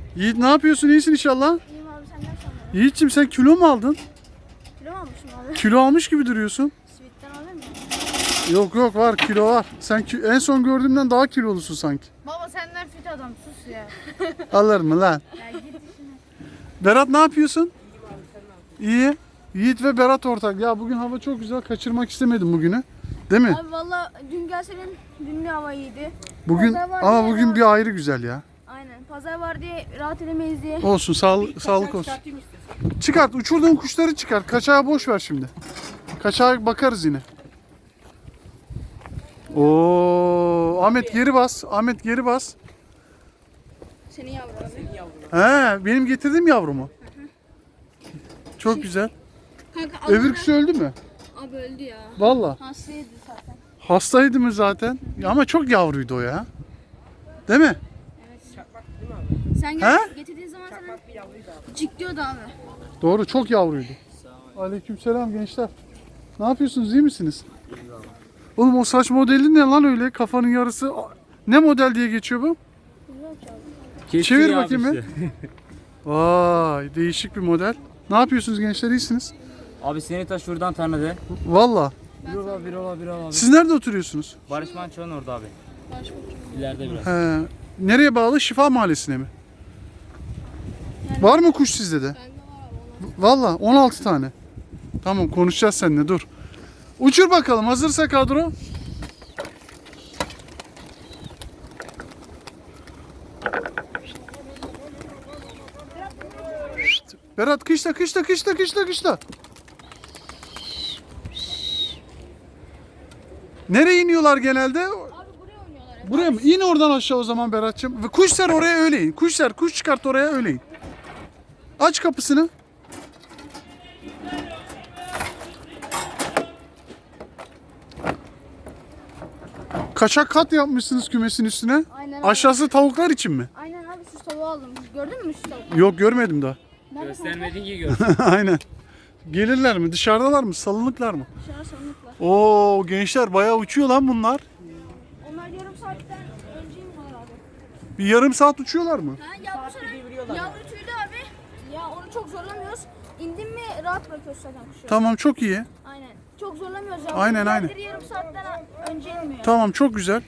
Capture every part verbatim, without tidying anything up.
Yiğit ne yapıyorsun? İyisin inşallah. İyiyim abi, senden sonra. Yiğit'ciğim sen kilo mu aldın? Kilo mu almışım abi? Kilo almış gibi duruyorsun. Sweet'ten alır mı? Yok yok var, kilo var. Sen ki- en son gördüğümden daha kilolusun sanki. Baba senden fit adam, sus ya. Alır mı lan? Ya git işine. Berat ne yapıyorsun? İyi. Yiğit ve Berat ortak. Ya bugün hava çok güzel. Kaçırmak istemedim bugünü. Değil mi? Abi valla dün gelsenin dün de hava iyiydi. Bugün Pazar var ama diye bugün rahat- bir ayrı güzel ya. Aynen. Pazar var diye rahat edemeyiz diye. Olsun, sağlık sağlık olsun. Çıkart, uçurduğun kuşları çıkart. Kaçağı boş ver şimdi. Kaçağa bakarız yine. Oo, Ahmet geri bas. Ahmet geri bas. Senin yavru abi. He, benim getirdiğim yavru mu? Çok güzel. Kanka Öbürküsü öldü mü? Abi öldü ya. Valla. Hastaydı zaten. Hastaydı mı zaten? Ya ama çok yavruydu o ya. Değil mi? Sen He? gel, getirdiğin zaman sana cikliyordu abi. Doğru, çok yavruydu. Aleykümselam gençler. Ne yapıyorsunuz, iyi misiniz? Oğlum o saç modeli ne lan öyle? Kafanın yarısı ne model diye geçiyor bu? Çevir bakayım bir. Vay, değişik bir model. Ne yapıyorsunuz gençler, iyisiniz? Abi seni ta şuradan tanıdı. Valla. Bir ola bir ola bir ola. Siz nerede oturuyorsunuz? Barış Manço'nun orada abi. İleride biraz. He. Nereye bağlı? Şifa Mahallesi'ne mi? Var mı kuş sizde de? Valla on altı tane. Tamam, konuşacağız seninle, dur. Uçur bakalım, hazırsa kadro. Şşt, Berat kışla kışla kışla kışla kışla. Nereye iniyorlar genelde? Abi buraya oynuyorlar. Buraya mı? İn oradan aşağı o zaman Berat'cığım. Ve kuş ser oraya, öyle in. Kuş ser, kuş çıkart oraya, öyle in. Aç kapısını. Kaçak kat yapmışsınız kümesin üstüne. Aynen abi. Aşağısı tavuklar için mi? Aynen abi, süs tavuğu aldım. Gördün mü süs tavuğu? Yok, görmedim daha. Nerede Göstermedin ki gör. Aynen. Gelirler mi? Dışarıdalar mı? Salınıklar mı? Dışarı sandıklar. Oo gençler, bayağı uçuyor lan bunlar. Onlar yarım saatten önceyim var abi. Bir yarım saat uçuyorlar mı? Ha, yavru sonra yavru tüylü abi. Ya onu çok zorlamıyoruz. İndim mi rahat bırakıyoruz zaten kuşu. Tamam, çok iyi. Aynen. Çok zorlamıyoruz ya. Aynen, aynen. Diğerleri yarım saatten önce inmiyor. Tamam, çok güzel.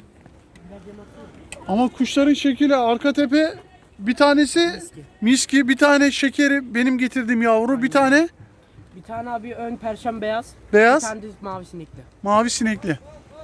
Ama kuşların şekli, arka tepe bir tanesi miski, bir tane şekeri benim getirdiğim yavru, bir tane Bir tane abi ön perşem beyaz. beyaz, Bir tane düz mavi sinekli. mavi sinekli.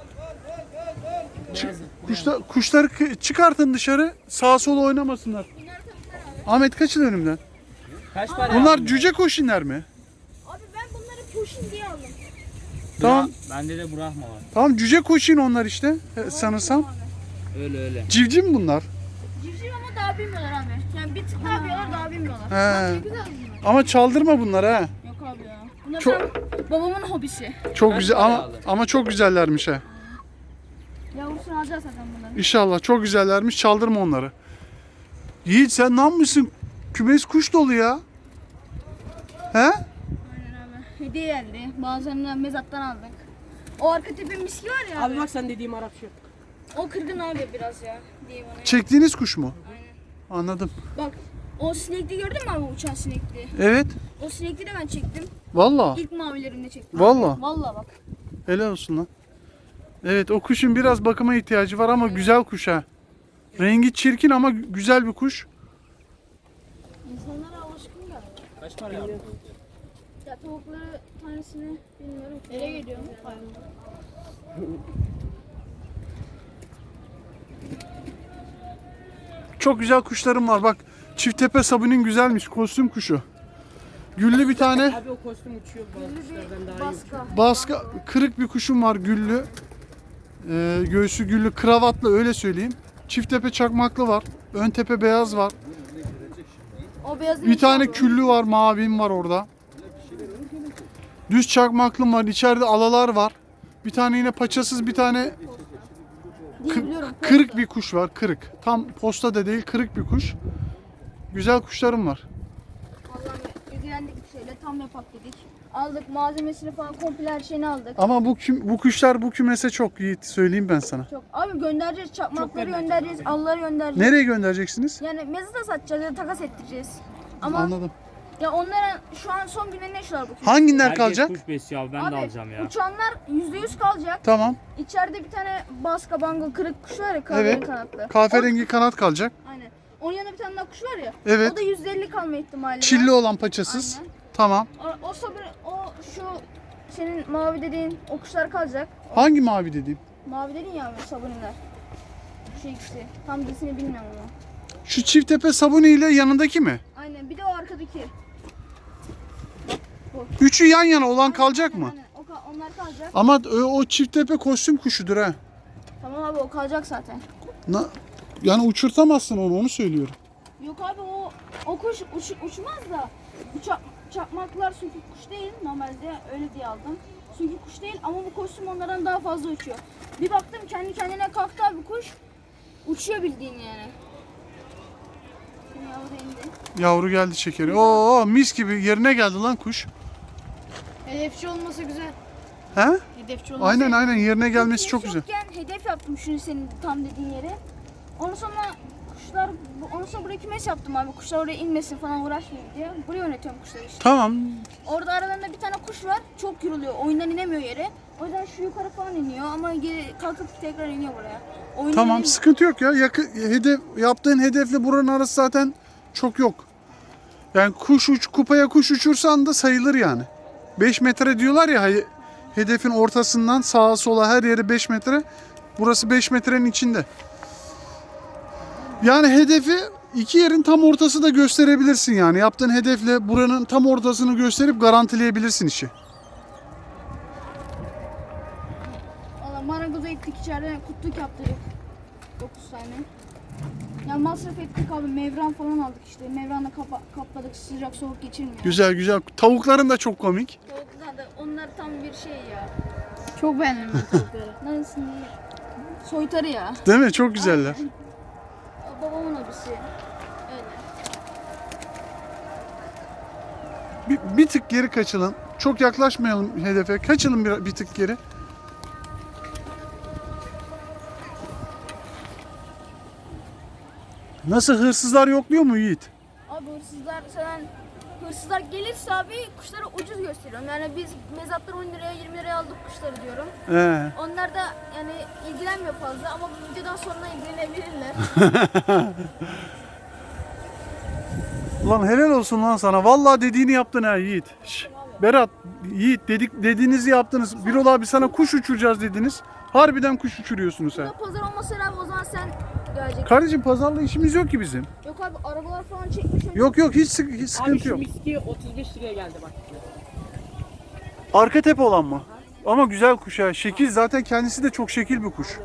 Beyaz. Kuşlar, kuşları k- çıkartın dışarı, sağa sola oynamasınlar. Ahmet kaçın önümden. Kaç para? Bunlar cüce koşinler mi? Abi ben bunları pushing diye aldım. Tamam, Bende de Brahma var. tamam cüce koşin onlar işte e, sanırsam. Öyle öyle. Civciv mi bunlar? Civciv ama daha bilmiyorlar abi. Yani bir tık daha biliyorlar, daha bilmiyorlar. He. Ne güzel bunlar. Ama çaldırma bunları ha. Yok abi ya. Bunlar Çok- tam babamın hobisi. Çok Kaç güzel para ama aldın? ama çok güzellermiş ha. Yavrusunu alacağız zaten bunların. İnşallah çok güzellermiş, çaldırma onları. Yiğit sen ne yapmışsın? Kümes kuş dolu ya. He? Aynen abi. Hediye geldi. Bazılarını mezattan aldık. O arka tepe miski var ya abi. Abi bak sen dediğim Arap şu. O kırgın abi biraz ya. Diyeyim ona. Çektiğiniz kuş mu? Anladım. Bak o sinekli gördün mü abi, uçan sinekli? Evet. O sinekli de ben çektim. Valla. İlk mavilerinde çektim. Valla. Valla bak. Helal olsun lan. Evet, o kuşun biraz bakıma ihtiyacı var ama güzel kuş ha. Rengi çirkin ama güzel bir kuş. İnsanlara alışkın galiba. Kaç para aldın? Ya tavukları tanesini bilmiyorum. Nereye gidiyor? Çok güzel kuşlarım var. Bak, çifttepe sabunun güzelmiş. Kostüm kuşu. Güllü bir tane Abi o kostüm uçuyor. Bazı kuşlardan daha iyi. Baska. baska, kırık bir kuşum var güllü. Ee, göğsü güllü, kravatlı, öyle söyleyeyim. Çifttepe çakmaklı var. Ön tepe beyaz var. O beyazın Bir tane içi küllü var, mavim var orada. Düz çakmaklım var. İçeride alalar var. Bir tane yine paçasız bir tane diyebiliyorum. kırık bir kuş var. Kırık. Tam posta da değil, kırık bir kuş. Güzel kuşlarım var. Allah'ım ilgilendik bir şeyle. böyle tam yapak dedik. Aldık malzemesini falan komple her şeyini aldık. Ama bu küm- bu kuşlar bu kümese çok Yiğit, söyleyeyim ben sana. Çok. Abi göndereceğiz çakmakları göndereceğiz göndereceğiz, alları göndereceğiz. Nereye göndereceksiniz? Yani mezata satacağız ya da takas ettireceğiz. Ama Anladım. ya onların şu an son günlerinde yaşıyorlar bu kuşlar. Hanginler Herkes kalacak? kuş besliyor abi ben Abi de alacağım ya. uçanlar yüzde yüz kalacak. Tamam. İçeride bir tane baska bango kırık kuş var ya kahverengi Evet. kanatlı. Kahverengi kanat kalacak. O, aynen. Onun yanında bir tane daha kuş var ya. Evet. O da yüzde elli kalma ihtimali Çilli var. olan paçasız. Aynen. Tamam. O, o sabır, o şu senin mavi dediğin o kuşlar kalacak. Hangi mavi dediğim? Mavi dedin ya abi sabuniler. Şu ikisi. Tam cinsini bilmiyorum ama. Şu çift tepe sabuni ile yanındaki mi? Aynen. Bir de o arkadaki. Üçü yan yana olan kalacak mı? Aynen. O, ka- onlar kalacak. Ama o, o çift tepe kostüm kuşudur ha. Tamam abi o kalacak zaten. Na, yani uçurtamazsın onu, onu söylüyorum. Yok abi o o kuş uç, uçmaz da uça, çakmaklar çünkü kuş değil normalde öyle diye aldım. Çünkü kuş değil ama bu kostüm onlardan daha fazla uçuyor. Bir baktım kendi kendine kalktı abi kuş. Uçuyor bildiğin yani. Şimdi yavru da indi. Yavru geldi çekeri. Oo mis gibi yerine geldi lan kuş. Hedefçi olması güzel. He? Hedefçi olması. Aynen aynen yerine gelmesi çok güzel. Yokken hedef yaptım şunu senin tam dediğin yere. Ondan sonra kuşlar, ondan sonra buraya kümes yaptım abi. Kuşlar oraya inmesin falan uğraşmayayım diye. Buraya yönetiyorum kuşları işte. Tamam. Orada aralarında bir tane kuş var. Çok yoruluyor. Oyundan inemiyor yere. O yüzden şu yukarı falan iniyor ama geri kalkıp tekrar iniyor buraya. Oyundan Tamam inemiyor. sıkıntı yok ya. Yakı, hedef, yaptığın hedefle buranın arası zaten çok yok. Yani kuş uç, kupaya kuş uçursan da sayılır yani. beş metre diyorlar ya hay- hedefin ortasından sağa sola her yeri beş metre. Burası beş metrenin içinde. Yani hedefi iki yerin tam ortası da gösterebilirsin yani. Yaptığın hedefle buranın tam ortasını gösterip garantileyebilirsin işi. Valla marangoza gittik içeride kutluk yaptırdık. dokuz tane. Ya masraf ettik abi. Mevran falan aldık işte. Mevranla kapa- kapladık. Sıcak soğuk geçirmiyor. Güzel güzel. Tavukların da çok komik. Tavuklar da onlar tam bir şey ya. Çok beğendim ben tavukları. Nasıl değil? Soytarı ya. Değil mi? Çok güzeller. Babamın abisi. Öyle. Bir, bir tık geri kaçalım. Çok yaklaşmayalım hedefe. Kaçalım bir, bir tık geri. Nasıl, hırsızlar yokluyor mu Yiğit? Abi hırsızlar sen hırsızlar gelirse abi kuşları ucuz gösteriyorum. Yani biz mezatlar on liraya yirmi liraya aldık kuşları diyorum. He. Onlar da yani ilgilenmiyor fazla ama bu videodan sonra ilgilenebilirler. Ulan helal olsun lan sana. Vallahi dediğini yaptın ha Yiğit. Şş, Berat, Yiğit dedik dediğinizi yaptınız. Birol abi sana kuş uçuracağız dediniz. Harbiden kuş uçuruyorsunuz ha. Ya pazar olmasa abi o zaman sen geleceksin. Kardeşim pazarla işimiz yok ki bizim. Yok abi arabalar falan çekmiş. öyle. Yok yok hiç, sık- hiç Abi sıkıntı şu yok. miski otuz beş liraya geldi bak. Arka tepe olan mı? Ama güzel kuş ha. Şekil zaten kendisi de çok şekil bir kuş.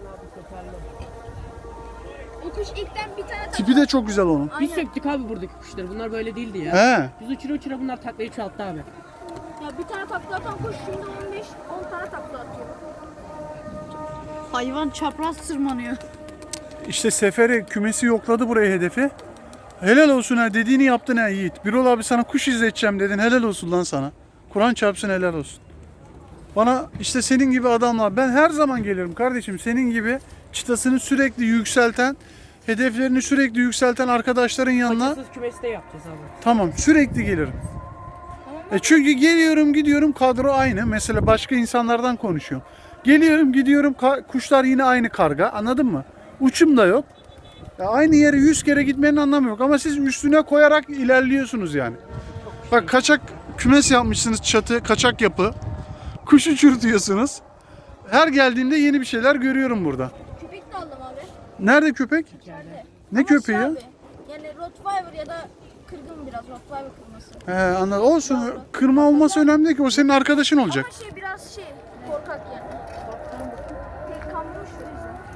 O kuş ilkten bir tane tak. Tipi de çok güzel onun. Biz Aynen. söktük abi buradaki kuşları. Bunlar böyle değildi ya. He. Biz uçura uçura bunlar taklayı çoğalttı abi. Ya bir tane takla atan kuş şimdi on beş on tane takla atıyor. Hayvan çapraz tırmanıyor. İşte seferi kümesi yokladı buraya hedefi. Helal olsun ha, dediğini yaptın ha Yiğit. Birol abi sana kuş izleteceğim dedin, helal olsun lan sana. Kur'an çarpsın, helal olsun. Bana işte senin gibi adamlar, ben her zaman gelirim kardeşim, senin gibi çıtasını sürekli yükselten, hedeflerini sürekli yükselten arkadaşların yanına. Paçasız kümesi de yapacağız abi. Tamam, sürekli gelirim. E çünkü geliyorum gidiyorum, kadro aynı. Mesela başka insanlardan konuşuyorum. Geliyorum gidiyorum, ka- kuşlar yine aynı karga, anladın mı? Uçum da yok. Ya aynı yere yüz kere gitmenin anlamı yok ama siz üstüne koyarak ilerliyorsunuz yani. Bak kaçak kümes yapmışsınız, çatı kaçak yapı. Kuş uçurtuyorsunuz. Her geldiğimde yeni bir şeyler görüyorum burada. Köpek de aldım abi. Nerede köpek? İçeride. Ne Ama köpeği şey ya? abi, yani Rottweiler ya da kırgın biraz Rottweiler kırması. He anladım. Olsun, kırma olması önemli değil ki, o senin arkadaşın olacak. Ama şey biraz şey korkak yani. Tek kanmış o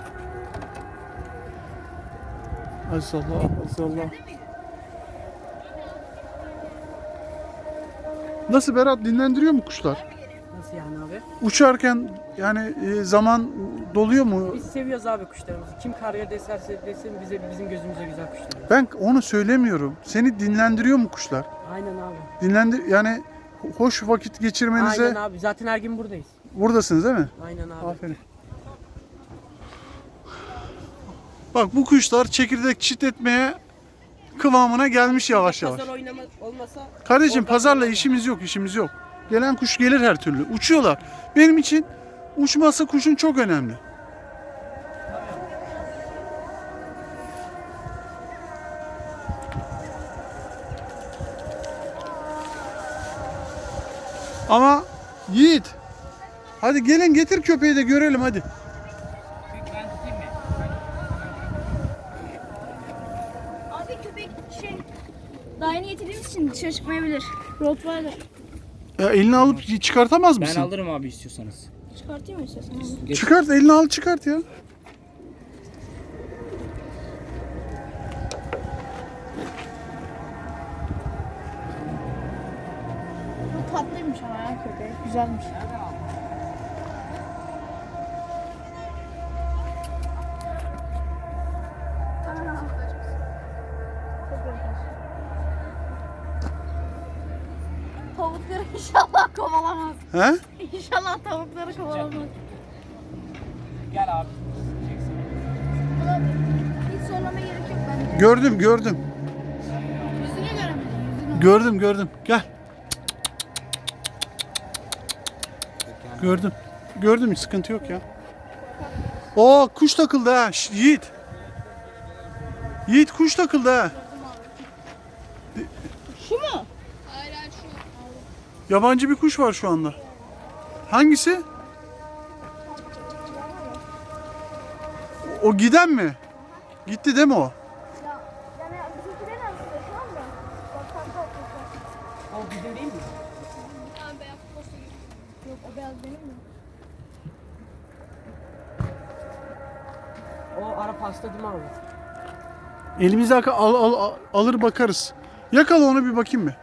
yüzden. Maşallah, maşallah. Nasıl Berat, dinlendiriyor mu kuşlar? Nasıl yani abi? Uçarken yani e, zaman doluyor mu? Biz seviyoruz abi kuşlarımızı. Kim karga deserse desin bize bizim gözümüze güzel kuşlar. Ben onu söylemiyorum. Seni dinlendiriyor mu kuşlar? Aynen abi. Dinlendir yani hoş vakit geçirmenize Aynen abi. Zaten her gün buradayız. buradasınız değil mi? Aynen abi. Aferin. Bak bu kuşlar çekirdek çitletmeye kıvamına gelmiş yavaş yavaş. Pazar oynama olmasa Kardeşim oradan pazarla oynamam. işimiz yok, işimiz yok. Gelen kuş gelir her türlü. Uçuyorlar. Benim için uçması kuşun çok önemli. Ama Yiğit, hadi gelin getir köpeği de görelim hadi. Ben tutayım mı? Abi köpek şey daha yeni getirdiğimiz için dışarı çıkmayabilir. Rottweiler. Ya elini alıp çıkartamaz Ben mısın? alırım abi istiyorsanız. Çıkartayım mı istiyorsan abi? Geç. Çıkart, elini al çıkart ya. Bu tatlıymış ama ya köpek. Güzelmiş. Tavukları inşallah kovalamaz. He? İnşallah tavukları kovalamaz. Gel abi. Hiç zorlamaya gerek yok bence. Gördüm, gördüm. Yüzüne göremedim. Yüzüne. Gördüm, gördüm. Gel. Gördüm. Gördüm, hiç sıkıntı yok ya. Oo, kuş takıldı ha. Şşt, Yiğit. Yiğit kuş takıldı ha. Şu mu? Yabancı bir kuş var şu anda. Hangisi? O giden mi? Gitti değil mi o? Ya, yani bizimkilerin arasında şu anda. Bak kanka o O bizim değil mi? tane beyaz posta gibi. Yok o beyaz benim mi? O ara pasta değil mi abi? Elimize al, al, al- alır bakarız. Yakala onu bir bakayım mı?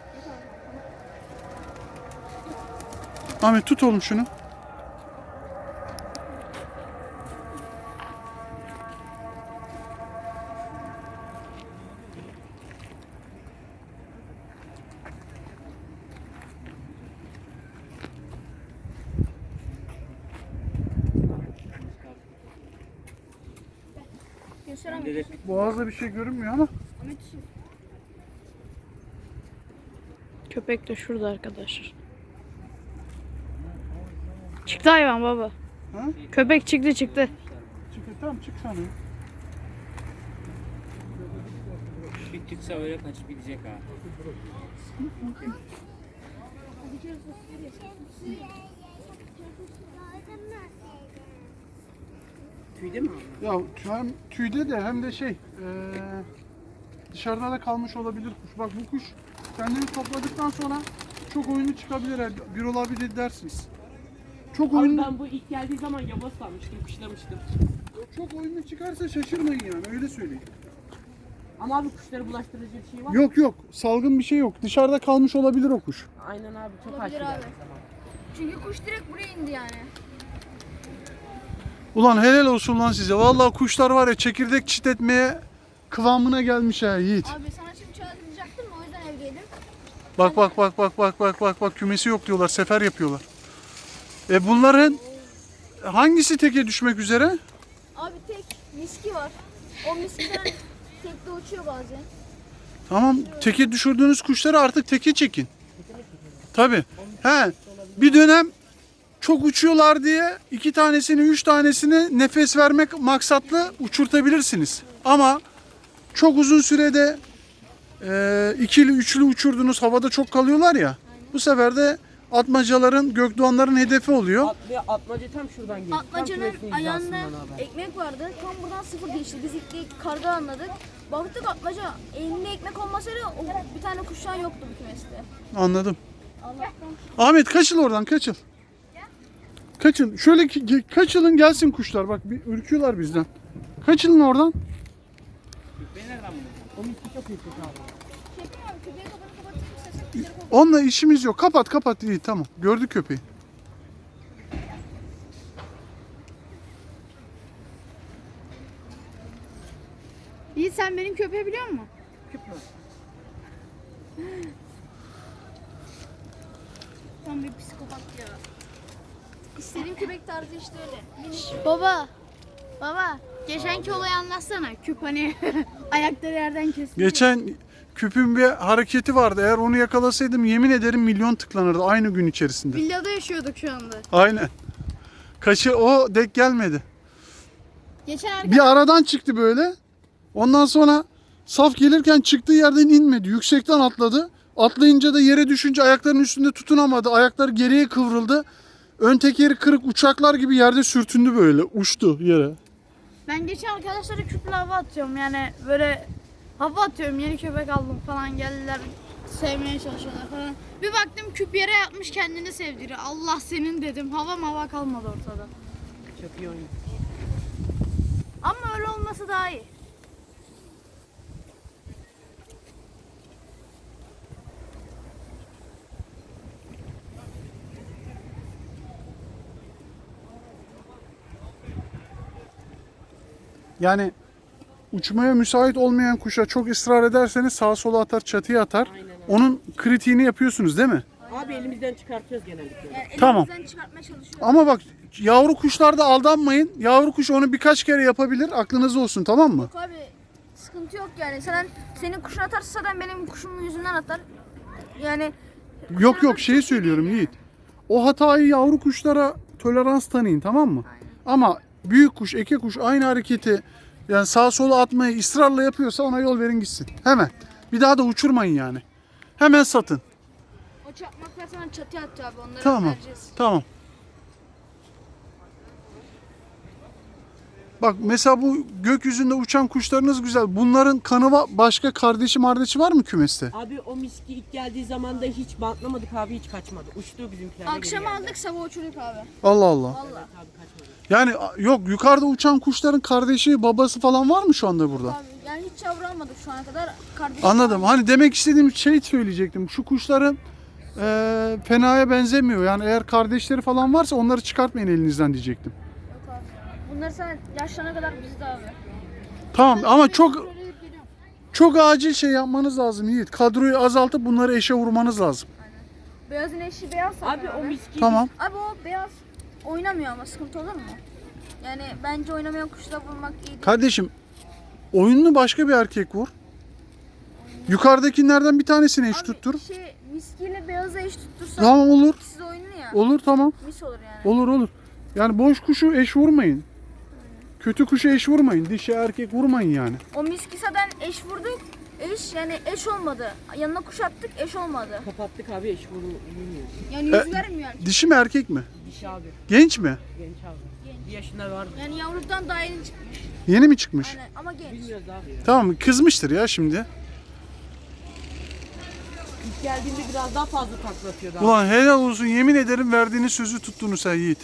Ahmet tut oğlum şunu. Gösteremiyorum. Boğazda bir şey görünmüyor ama. Ahmet şu. Köpek de şurada arkadaşlar. Çıktı hayvan baba. Ha? Köpek çıktı çıktı. Çık tamam çık sana. Bir çıksa öyle kaçıp gidecek ha. Tüyde mi abi? Ya hem tüyde de hem de şey eee, dışarıda da kalmış olabilir kuş. Bak bu kuş kendini topladıktan sonra çok oyunu çıkabilir. yani Bir olabilir dersiniz. Çok Abi oyun ben bu ilk geldiği zaman yavaş sanmıştım, kuşlamıştım. çok oyunu çıkarsa şaşırmayın yani öyle söyleyeyim. Ama abi kuşları bulaştırıcı bir şey var. Yok yok salgın bir şey yok. Dışarıda kalmış olabilir o kuş. Aynen abi çok Olabilir aşırı abi. geldiği zaman. Çünkü kuş direkt buraya indi yani. Ulan helal olsun lan size. Vallahi kuşlar var ya çekirdek çitletmeye kıvamına gelmiş ha Yiğit. Abi sana şimdi çağıracaktım o yüzden evdeydim. Bak bak bak bak bak bak bak bak kümesi yok diyorlar. Sefer yapıyorlar. E bunların hangisi teke düşmek üzere? Abi tek miski var. O miskiden tekte uçuyor bazen. Tamam teke düşürdüğünüz kuşları artık teke çekin. Tabi. He. Bir dönem çok uçuyorlar diye iki tanesini üç tanesini nefes vermek maksatlı uçurtabilirsiniz. Ama çok uzun sürede e, ikili üçlü uçurdunuz havada çok kalıyorlar ya. Bu sefer de atmacaların gökdoğanların hedefi oluyor. At, ve atmaca tam şuradan geliyor. Tam Atmacanın kümesinin ayağında hizasından abi. ekmek vardı. Tam buradan sıfır geçti. Biz ilk karga anladık. Baktık atmaca elinde ekmek olmasaydı o bir tane kuşan yoktu bu kümeste. Anladım. Allah'tan. Ahmet kaçıl oradan kaçıl. Kaçın. Şöyle ki- ge- kaçılın gelsin kuşlar. Bak bir ürküyorlar bizden. Kaçılın oradan. Köpeği nereden buldun? O miski çok yüksek abi. Şefim abi köpeği kafanı kapatayım istersen kuşları kovalım. Onunla işimiz yok. Kapat kapat. İyi tamam. Gördük köpeği. Yiğit sen benim köpeği biliyor musun? Küp mü? İstediğim köpek tarzı işte öyle. Minik. Baba. Baba. Geçenki olayı anlatsana. Küp hani ayakları yerden kesildi. Geçen küpün bir hareketi vardı. Eğer onu yakalasaydım yemin ederim milyon tıklanırdı aynı gün içerisinde. Villada yaşıyorduk şu anda. Aynen. Kaşı o denk gelmedi. Geçen arkadaş Bir aradan çıktı böyle. Ondan sonra saf gelirken çıktığı yerden inmedi. Yüksekten atladı. Atlayınca da yere düşünce ayaklarının üstünde tutunamadı. Ayakları geriye kıvrıldı. Ön tekeri kırık uçaklar gibi yerde sürtündü böyle. Uçtu yere. ben geçen arkadaşlara küple hava atıyorum. Yani böyle hava atıyorum. Yeni köpek aldım falan geldiler. Sevmeye çalışıyorlar falan. Bir baktım küp yere yatmış kendini sevdiriyor. Allah senin dedim. Hava mava kalmadı ortada. Çok iyi oyun. Ama öyle olması daha iyi. Yani uçmaya müsait olmayan kuşa çok ısrar ederseniz sağa sola atar, çatıya atar. Aynen öyle. Onun kritiğini yapıyorsunuz değil mi? Abi elimizden çıkartıyoruz genellikle. Yani Tamam. elimizden çıkartmaya çalışıyoruz. Ama bak yavru kuşlarda aldanmayın. Yavru kuş onu birkaç kere yapabilir. Aklınızda olsun, tamam mı? Yok abi sıkıntı yok yani. Sen senin kuşun atarsa zaten benim kuşumun yüzünden atar. Yani Yok yok şeyi söylüyorum Yiğit. O hatayı yavru kuşlara tolerans tanıyın, tamam mı? Ama büyük kuş, eke kuş aynı hareketi yani sağa sola atmayı ısrarla yapıyorsa ona yol verin gitsin. Hemen. Bir daha da uçurmayın yani. Hemen satın. o çakmaklar sana çatıya atıyor abi. Onları Tamam. vereceğiz. Tamam. Bak mesela bu gökyüzünde uçan kuşlarınız güzel. Bunların kanı va- başka kardeşi mardeşi var mı kümeste? Abi o miski ilk geldiği zaman da hiç bantlamadık abi, hiç kaçmadı. Uçtu bizimkiler. Akşam aldık sabah uçurduk abi. Allah Allah. Vallahi. Abi kaçmadı. Yani a- yok yukarıda uçan kuşların kardeşi babası falan var mı şu anda burada? Abi yani hiç yavru almadık şu ana kadar. Kardeşim Anladım. Hani demek istediğim şey söyleyecektim. Şu kuşların eee fenaya benzemiyor. Yani eğer kardeşleri falan varsa onları çıkartmayın elinizden diyecektim. Yok abi. Bunları sen yaşlarına kadar bizde abi. Tamam ama çok çok acil şey yapmanız lazım Yiğit. Kadroyu azaltıp bunları eşe vurmanız lazım. Beyazın eşi beyaz zaten Abi o miski Tamam. Abi o beyaz oynamıyor ama sıkıntı olur mu? Yani bence oynamayan kuşla vurmak iyi değil. Kardeşim oyununu başka bir erkek vur. Yukarıdakilerden bir tanesini eş Abi, tuttur. Şey miskiyle beyazı eş tuttursan Tamam olur. siz oyunu ya. Olur tamam. Mis olur yani. Olur olur. Yani boş kuşu eş vurmayın. Kötü kuşu eş vurmayın. Dişi erkek vurmayın yani. O miski zaten eş vurduk. Eş yani eş olmadı. Yanına kuş attık eş olmadı. kapattık abi, eş vurmuyor. Yani E- yüz vermiyor yani. Dişi mi erkek mi? Dişi abi. Genç mi? Genç abi. Bir yaşında var. Yani yavrudan daha yeni çıkmış. Yeni mi çıkmış? Aynen ama genç. Bilmiyoruz abi ya. Tamam kızmıştır ya şimdi. İlk geldiğinde biraz daha fazla taklatıyordu abi. Ulan helal olsun yemin ederim verdiğiniz sözü tuttunuz sen Yiğit.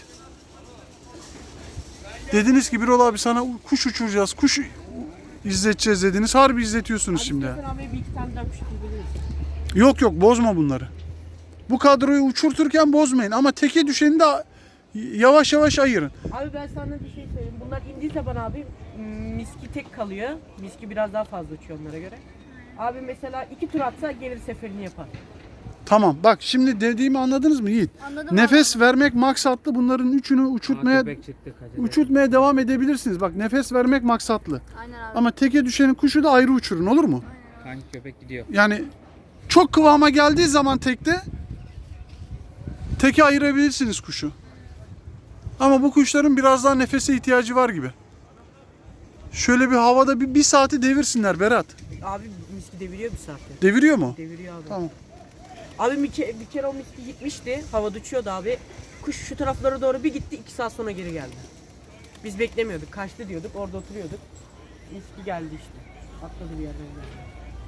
Dediniz ki Birol abi sana kuş uçuracağız, kuş izleteceğiz dediniz. Harbi izletiyorsunuz Abi şimdi. istersen abi bir iki tane daha kuş tutabiliriz. Yok yok bozma bunları. Bu kadroyu uçurturken bozmayın ama teke düşeni de yavaş yavaş ayırın. Abi ben sana bir şey söyleyeyim. Bunlar indiği zaman abi miski tek kalıyor. Miski biraz daha fazla uçuyor onlara göre. Abi mesela iki tur atsa gelir seferini yapar. Tamam bak şimdi dediğimi anladınız mı Yiğit? Anladım Nefes vermek maksatlı, bunların üçünü uçurtmaya Köpek çıktı kaçacak. uçurtmaya devam edebilirsiniz. Bak nefes vermek maksatlı. abi. Aynen abi. Ama teke düşenin kuşu da ayrı uçurun olur mu? Kanki köpek gidiyor. Yani çok kıvama geldiği zaman tekte teke ayırabilirsiniz kuşu. Ama bu kuşların biraz daha nefese ihtiyacı var gibi. Şöyle bir havada bir, bir saati devirsinler Berat. Abi miski deviriyor bir saatte. Deviriyor mu? Deviriyor abi. Tamam. Abi bir kere, bir kere o miski gitmişti. Havada uçuyordu abi. Kuş şu taraflara doğru bir gitti. iki saat sonra geri geldi. Biz beklemiyorduk. Kaçtı diyorduk. Orada oturuyorduk. Miski geldi işte. Atladı bir yerden geldi.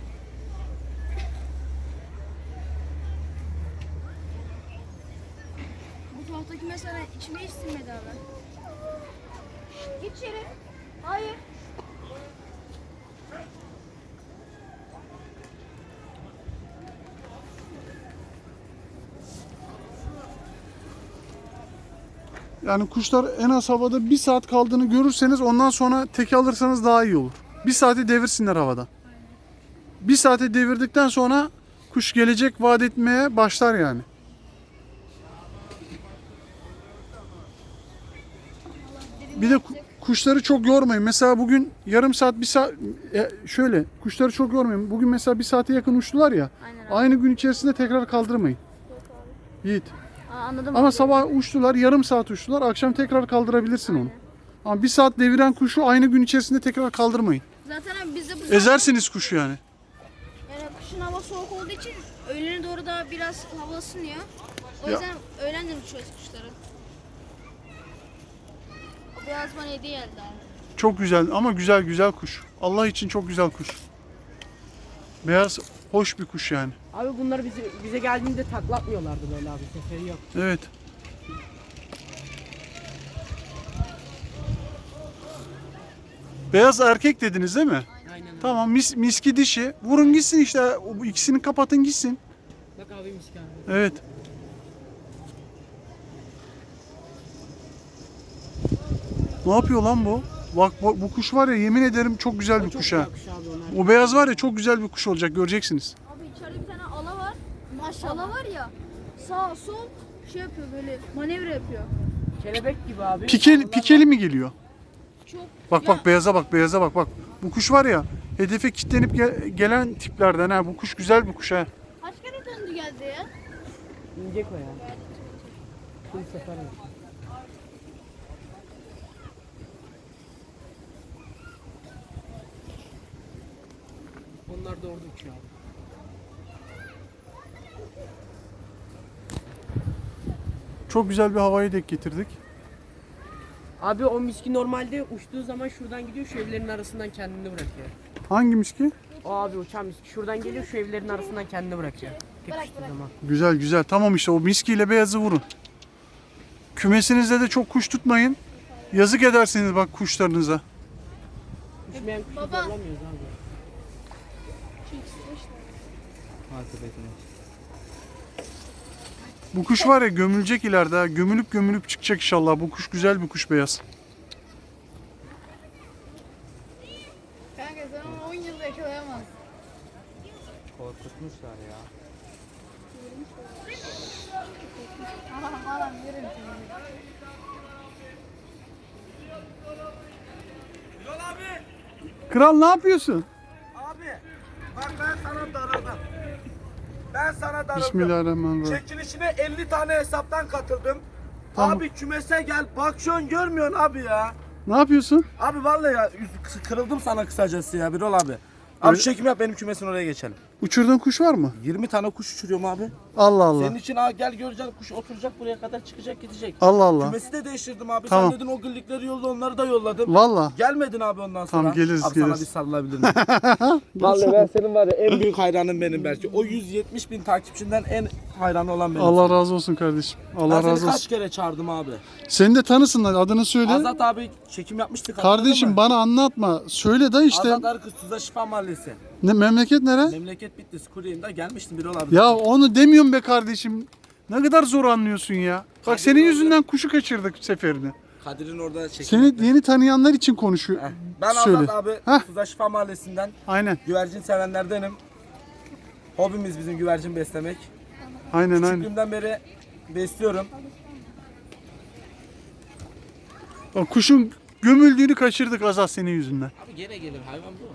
Bu taraftaki mesela içime hiç sinmedi abi. Git içeri. Hayır. Yani kuşlar en az havada bir saat kaldığını görürseniz ondan sonra teke alırsanız daha iyi olur. Bir saati devirsinler havada. Bir saate devirdikten sonra kuş gelecek vaat etmeye başlar yani. Bir de ku- kuşları çok yormayın. Mesela bugün yarım saat, bir saat e, şöyle kuşları çok yormayın. Bugün mesela bir saate yakın uçtular ya. Aynen abi. Aynı gün içerisinde tekrar kaldırmayın. Yiğit. Aa, anladım. Ama abi. sabah uçtular, yarım saat uçtular. Akşam tekrar kaldırabilirsin onu. Ama bir saat deviren kuşu aynı gün içerisinde tekrar kaldırmayın. Zaten abi bizde bu Ezersiniz kuşu yani. yani kışın hava soğuk olduğu için öğlene doğru da biraz hava ısınıyor. O Ya. yüzden öğlenden uçuyoruz kuşları. O beyaz bana hediye geldi abi. Çok güzel ama güzel güzel kuş. Allah için çok güzel kuş. Beyaz hoş bir kuş yani. Abi bunlar bize, bize geldiğinde taklatmıyorlardı böyle abi. Seferi yok. Evet. Beyaz erkek dediniz değil mi? Aynen öyle. Tamam, mis, miski dişi. Vurun gitsin işte. O- Bu ikisini kapatın gitsin. Bak abi miskin abi. Evet. Ne yapıyor lan bu? Bak bu, bu kuş var ya, yemin ederim çok güzel bir Çok kuş ha. güzel kuş abi onlar. O beyaz var ya, çok güzel bir kuş olacak, göreceksiniz. Abi içeride bir tane ala var. Maşallah. Ala var ya sağ sol şey yapıyor böyle manevra yapıyor. Kelebek gibi abi. Pikeli, Onlar pikeli mi geliyor? Çok Bak Ya- bak beyaza bak, beyaza bak bak. Bu kuş var ya, hedefe kilitlenip gel- gelen tiplerden ha. Bu kuş güzel bir kuş ha. kaç kere döndü geldi ya? İnecek o ya. Bir sefer mi? Onlar da orada uçuyor abi. Çok güzel bir havayı denk getirdik. Abi o miski normalde uçtuğu zaman şuradan gidiyor, şu evlerin arasından kendini bırakıyor. Hangi miski? O abi uçan miski şuradan geliyor, şu evlerin arasından kendini bırakıyor. Tek uçtuğu zaman. Güzel güzel. Tamam işte, o miskiyle beyazı vurun. Kümesinizde de çok kuş tutmayın. Yazık edersiniz bak kuşlarınıza. Uçmayan kuşu Baba. zorlamıyoruz abi. Bu kuş var ya, gömülecek ileride ha. Gömülüp gömülüp çıkacak inşallah. Bu kuş güzel bir kuş, beyaz. Kanka sen onu on yılda yakalayamazsın. Korkutmuşlar ya. Anam anam yerim seni. Kral ne yapıyorsun? Abi bak ben sana darıldım. Ben sana darıldım. Bismillahirrahmanirrahim. Çekilişine elli tane hesaptan katıldım. Tamam. Abi kümese gel bak şu an görmüyorsun abi ya. Ne yapıyorsun? Abi vallahi ya yüz- kırıldım sana kısacası ya Birol abi. Abi Öyle- çekim yap benim kümesin oraya geçelim. Uçurduğun kuş var mı? yirmi tane kuş uçuruyorum abi. Allah Allah. Senin için ha gel göreceksin kuş oturacak buraya kadar çıkacak gidecek. Allah Allah. Kümesi de değiştirdim abi. Tamam. Sen dedin o güllikleri yolla onları da yolladım. Valla. Gelmedin abi ondan sonra. Tamam, geliriz, abi geliriz. sana bir sarılabilir miyim? Vallahi ben senin var ya en büyük hayranın benim belki. O yüz yetmiş bin takipçinden en hayranı olan benim. Allah razı olsun kardeşim. Allah ben seni razı kaç olsun. kere çağırdım abi. Seni de tanısınlar, adını söyle. Azat abi çekim yapmıştık. hatırladın Kardeşim mı? bana anlatma. Söyle da işte. Azat Arıkız Tuzla Şifa Mahallesi. Ne, memleket nere? Memleket Bitlis. Kuryem'de gelmiştim Birol abi. Ya onu demiyorum be kardeşim. Ne kadar zor anlıyorsun ya. Bak senin yüzünden kuşu kaçırdık seferini. Kadir'in orada çekim Seni yaptık. yeni tanıyanlar için konuşuyor. Heh. Ben Söyle. Azat abi Heh. Tuzla Şifa Mahallesi'nden Aynen. güvercin sevenlerdenim. Hobimiz bizim güvercin beslemek. Aynen aynen. Küçüklüğümden beri besliyorum. O kuşun gömüldüğünü kaçırdık Azat senin yüzünden. Abi gene gelir hayvan bu.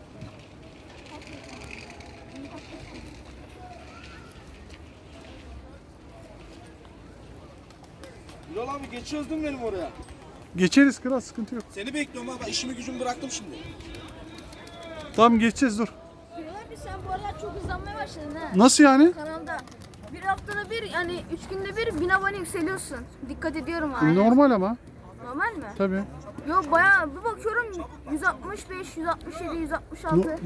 Birol abi geçiyoruz değil mi benim oraya? Geçeriz kral, sıkıntı yok. Seni bekliyorum abi. İşimi gücümü bıraktım şimdi. Tamam, geçeceğiz, dur. Abi sen bu aralar çok hızlanmaya başladın ha. Nasıl yani? Kanalda. Bir haftada bir yani üç günde bir bin abone yükseliyorsun. Dikkat ediyorum abi. Normal ama. Normal mi? Tabii. Yok bayağı bir bakıyorum yüz altmış beş, yüz altmış yedi, yüz altmış altı.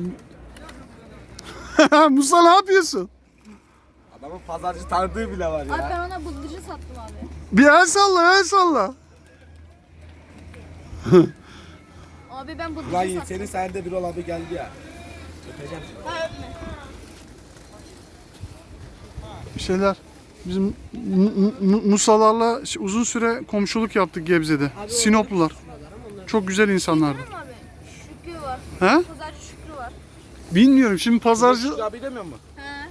Musa ne yapıyorsun? Adamın pazarcı tanıdığı bile var Abi ya. ben ona bıldırıcı sattım abi. Bir el salla, el salla. Abi ben bıldırıcı Ulan Yiğit sattım. senin sayende Birol abi geldi ya. Öpeceğim seni. Ha öpme. Bir şeyler. Bizim Mu- Mu- Musalarla uzun süre komşuluk yaptık Gebze'de. Sinoplular. Çok güzel insanlardı. Değil mi abi? Şükrü var. He? Pazarcı Şükrü var. Bilmiyorum şimdi pazarcı... Şükrü abi demiyor mu? He.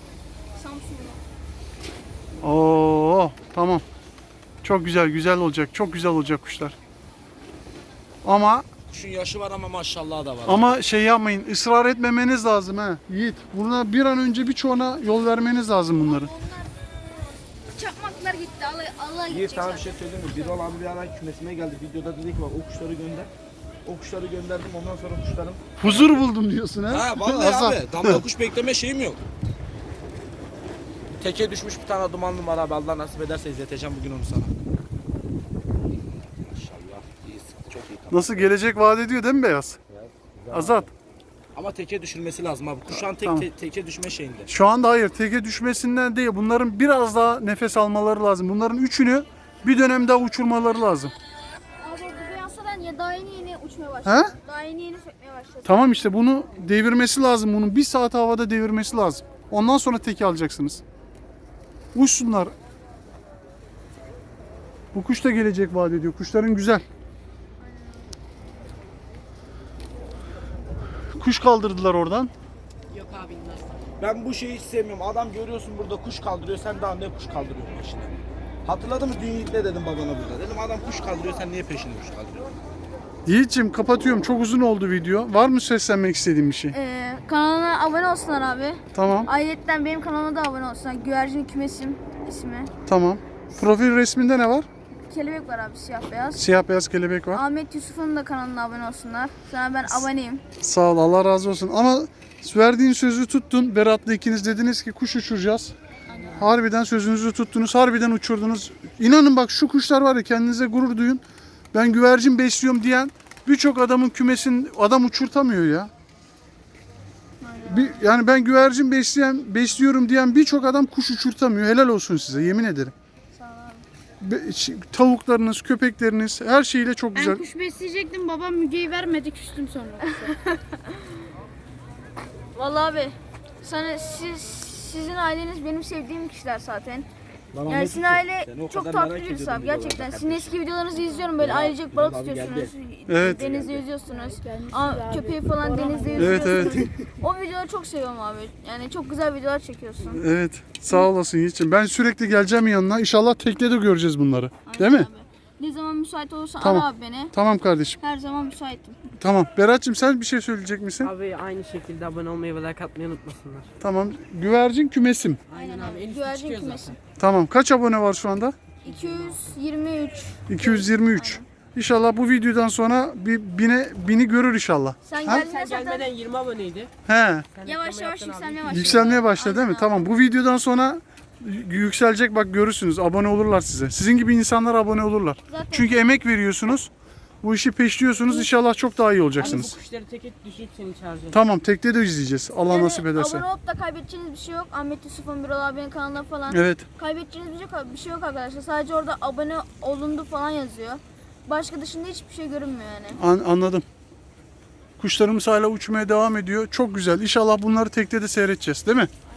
Samsun'da. Oo tamam. Çok güzel, güzel olacak. Çok güzel olacak kuşlar. Ama Kuşun yaşı var ama maşallah da var. ama şey yapmayın, ısrar etmemeniz lazım ha Yiğit. Buna bir an önce birçoğuna yol vermeniz lazım bunları. Çakmaklar gitti. Allah, Allah Bir gidecek tane bir zaten. şey söyleyeyim mi? Bir olan bir ara kümesime geldi. Videoda dedi ki bak o kuşları gönder. O kuşları gönderdim. Ondan sonra kuşlarım. Huzur buldum diyorsun ha. Ha vallahi Hasan. abi. Damla kuş bekleme şeyim yok. Teke düşmüş bir tane dumanlı var abi. Allah nasip ederse izleteceğim bugün onu sana. Maşallah. İyi sıktı. Çok iyi. Tamam. Nasıl gelecek vaat ediyor değil mi Beyaz? Azat. Ama teke düşürmesi lazım abi. Kuşan tek Tamam. te- teke düşme şeyinde. Şu anda hayır, teke düşmesinden değil. Bunların biraz daha nefes almaları lazım. Bunların üçünü bir dönem daha uçurmaları lazım. Abi bu beyazsadan ya daha yeni yeni uçmaya başladı. He? Daha yeni yeni sökmeye başladı. Tamam işte bunu devirmesi lazım. Bunun bir saat havada devirmesi lazım. Ondan sonra teke alacaksınız. Uçsunlar. Bu kuş da gelecek vaat ediyor. Kuşların güzel. Kuş kaldırdılar oradan. Yok abi inmez. Ben bu şeyi hiç sevmiyorum. Adam görüyorsun burada kuş kaldırıyor. Sen daha ne kuş kaldırıyorsun peşine? Hatırladın mı dün ne dedim babana burada? Dedim adam kuş kaldırıyor. Sen niye peşinde kuş kaldırıyorsun? Yiğit'ciğim kapatıyorum. Çok uzun oldu video. Var mı seslenmek istediğin bir şey? Ee, kanalına abone olsunlar abi. Tamam. Ayrıca benim kanalıma da abone olsunlar. Güvercin Kümesim ismi. Tamam. Profil resminde ne var? Kelebek var abi siyah beyaz. Siyah beyaz kelebek var. Ahmet Yusuf'un da kanalına abone olsunlar. Sana ben aboneyim. Sağ ol, Allah razı olsun. Ama verdiğin sözü tuttun. Berat'la ikiniz dediniz ki kuş uçuracağız. Harbiden sözünüzü tuttunuz. Harbiden uçurdunuz. İnanın bak şu kuşlar var ya, kendinize gurur duyun. Ben güvercin besliyorum diyen birçok adamın kümesin adam uçurtamıyor ya. Bir, yani ben güvercin besleyen, besliyorum diyen birçok adam kuş uçurtamıyor. Helal olsun size, yemin ederim. Be- ş- tavuklarınız, köpekleriniz her şeyiyle çok güzel. Ben kuş besleyecektim, babam mügeyi vermedi, küstüm sonra. Vallahi abi sana siz sizin aileniz benim sevdiğim kişiler zaten. Yani sizin aile çok tatlı birisi abi gerçekten. Sizin eski videolarınızı izliyorum böyle ailecek balık tutuyorsunuz. Evet. Denizde yüzüyorsunuz. Aa, köpeği falan denizde Evet, yüzüyorsunuz. O videoları çok seviyorum abi. Yani çok güzel videolar çekiyorsun. Evet, sağ olasın Yiğit'ciğim. Ben sürekli geleceğim yanına. İnşallah teknede göreceğiz bunları. Değil mi? Abi. Ne zaman müsait olursan Tamam. ara abi beni. Tamam kardeşim. Her zaman müsaitim. Tamam. Berat'cığım sen bir şey söyleyecek misin? Abi aynı şekilde abone olmayı ve like atmayı unutmasınlar. Tamam. Güvercin kümesim. Aynen abi. En üstte Güvercin çıkıyor kümesi. zaten. Tamam. Kaç abone var şu anda? iki yüz yirmi üç. iki yüz yirmi üç. İnşallah bu videodan sonra bir bine, bini görür inşallah. Sen Ha? geldiğinde Sen zaten gelmeden yirmi aboneydi. He. Sen yavaş reklama yavaş yaptın abi. yükselmeye başladı. Yükselmeye başladı değil mi? Aynen Tamam. Bu videodan sonra y- yükselecek, bak görürsünüz. Abone olurlar size. Sizin gibi insanlar abone olurlar. Zaten- Çünkü emek veriyorsunuz. Bu işi peşliyorsunuz. İnşallah çok daha iyi Abi bu olacaksınız. kuşları tek et düşürüp seni çağıracağım. Tamam. Tekte de izleyeceğiz. Allah Yani nasip ederse. abone olup da kaybedeceğiniz bir şey yok. Ahmet Yusuf'un Birol abinin kanalında falan. Evet. Kaybedeceğiniz bir şey, yok, bir şey yok arkadaşlar. Sadece orada abone olundu falan yazıyor. Başka dışında hiçbir şey görünmüyor yani. An- anladım. Kuşlarımız hala uçmaya devam ediyor. Çok güzel. İnşallah bunları tekte de seyredeceğiz, değil mi?